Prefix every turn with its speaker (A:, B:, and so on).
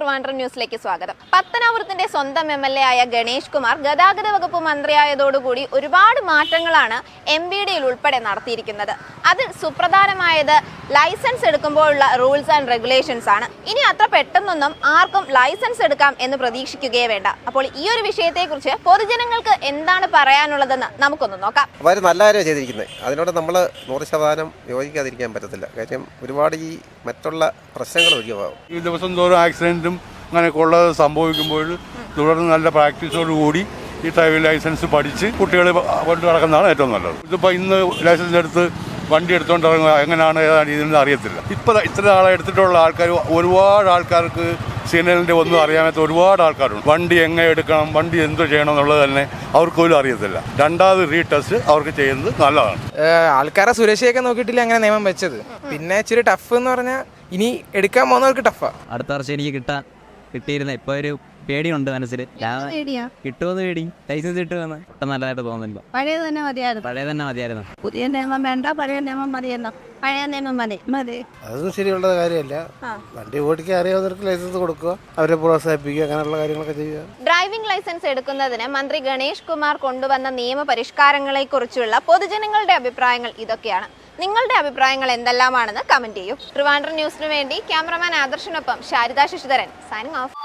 A: ട്രിവാൻഡ്രം ന്യൂസിലേക്ക് സ്വാഗതം. പത്തനാപുരത്തിന്റെ സ്വന്തം MLA ആയ ഗണേഷ് കുമാർ ഗതാഗത വകുപ്പ് മന്ത്രിയായതോടുകൂടി ഒരുപാട് മാറ്റങ്ങളാണ് MBDയിൽ ഉൾപ്പെടെ നടത്തിയിരിക്കുന്നത്. അതിൽ സുപ്രധാനമായത് ലൈസൻസ് എടുക്കുമ്പോഴുള്ള റൂൾസ് ആൻഡ് റെഗുലേഷൻസ് ആണ്. ഇനി അത്ര പെട്ടെന്നൊന്നും ആർക്കും ലൈസൻസ് എടുക്കാം എന്ന് പ്രതീക്ഷിക്കുകയേ വേണ്ട. അപ്പോൾ ഈ ഒരു വിഷയത്തെക്കുറിച്ച് പൊതുജനങ്ങൾക്ക് എന്താണ് പറയാനുള്ളതെന്ന് നമുക്കൊന്ന് നോക്കാം.
B: അവർ നല്ല കാര്യം ചെയ്തിരിക്കുന്നത്, അതിനോട് നമ്മൾ 100% യോജിക്കാതിരിക്കാൻ പറ്റത്തില്ല. കാര്യം ഒരുപാട് ഈ മറ്റുള്ള പ്രശ്നങ്ങൾ ഒഴിവാകും.
C: ഈ ദിവസം തോറും ആക്സിഡൻറ്റും അങ്ങനെയൊക്കെ ഉള്ളത് സംഭവിക്കുമ്പോൾ തുടർന്ന് നല്ല പ്രാക്ടീസോടുകൂടി ഈ ഡ്രൈവിംഗ് ലൈസൻസ് പഠിച്ച് കുട്ടികൾ കൊണ്ട് നടക്കുന്നതാണ് ഏറ്റവും നല്ലത്. ഇതിപ്പോൾ ഇന്ന് ലൈസൻസ് എടുത്ത് വണ്ടി എടുത്തുകൊണ്ട് ഇറങ്ങുക എങ്ങനെയാണ് ഏതാണ് ഇതെന്ന് അറിയത്തില്ല. ഇപ്പോൾ ഇത്ര നാളെ എടുത്തിട്ടുള്ള ആൾക്കാർ ഒരുപാട് ആൾക്കാർക്ക് സിഗ്നലിൻ്റെ ഒന്നും അറിയാത്ത ഒരുപാട് ആൾക്കാരുണ്ട്. വണ്ടി എങ്ങനെ എടുക്കണം, വണ്ടി എന്ത് ചെയ്യണം എന്നുള്ളത് തന്നെ അവർക്ക് പോലും അറിയത്തില്ല. രണ്ടാമത് റീടെസ്റ്റ് അവർക്ക് ചെയ്യുന്നത് നല്ലതാണ്.
D: ആൾക്കാരെ സുരക്ഷയൊക്കെ നോക്കിയിട്ടില്ല അങ്ങനെ നിയമം വെച്ചത്. പിന്നെ ഇച്ചിരി ടഫ് എന്ന് പറഞ്ഞാൽ ഇനി എടുക്കാൻ പോകുന്നവർക്ക് ടഫാ.
E: അടുത്ത വർഷം എനിക്ക് കിട്ടിയിരുന്ന ഇപ്പോൾ ഒരു പേടിയുണ്ട് മനസ്സിൽ. കിട്ടുമെന്ന് പേടി. ലൈസൻസ് കിട്ടുമെന്ന് ഒട്ടും നല്ലതായിട്ട് തോന്നുന്നില്ല.
F: പഴയ തന്നെ മതിയായിരുന്നു. പുതിയ നിയമം വേണ്ട, പഴയ നിയമം മതിയെന്നോ. പഴയ നിയമം മതി.
G: അതൊന്നും ശരിയുള്ള കാര്യമല്ല. വണ്ടി ഓടിക്കാൻ അറിയാവുന്നവർക്ക് ലൈസൻസ് കൊടുക്കുക, അവരെ പ്രോത്സാഹിപ്പിക്കുക, അങ്ങനെയുള്ള കാര്യങ്ങളൊക്കെ ചെയ്യുക.
A: ഡ്രൈവിംഗ് ലൈസൻസ് എടുക്കുന്നതിന് മന്ത്രി ഗണേഷ് കുമാർ കൊണ്ടുവന്ന നിയമ പരിഷ്കാരങ്ങളെ കുറിച്ചുള്ള പൊതുജനങ്ങളുടെ അഭിപ്രായങ്ങൾ ഇതൊക്കെയാണ്. നിങ്ങളുടെ അഭിപ്രായങ്ങൾ എന്തെല്ലാമാണെന്ന് കമന്റ് ചെയ്യൂ. ട്രിവാൻഡ്രം ന്യൂസിനു വേണ്ടി ക്യാമറമാൻ ആദർശിനൊപ്പം ശാരിദ ശശിധരൻ സൈനിങ് ഓഫ്.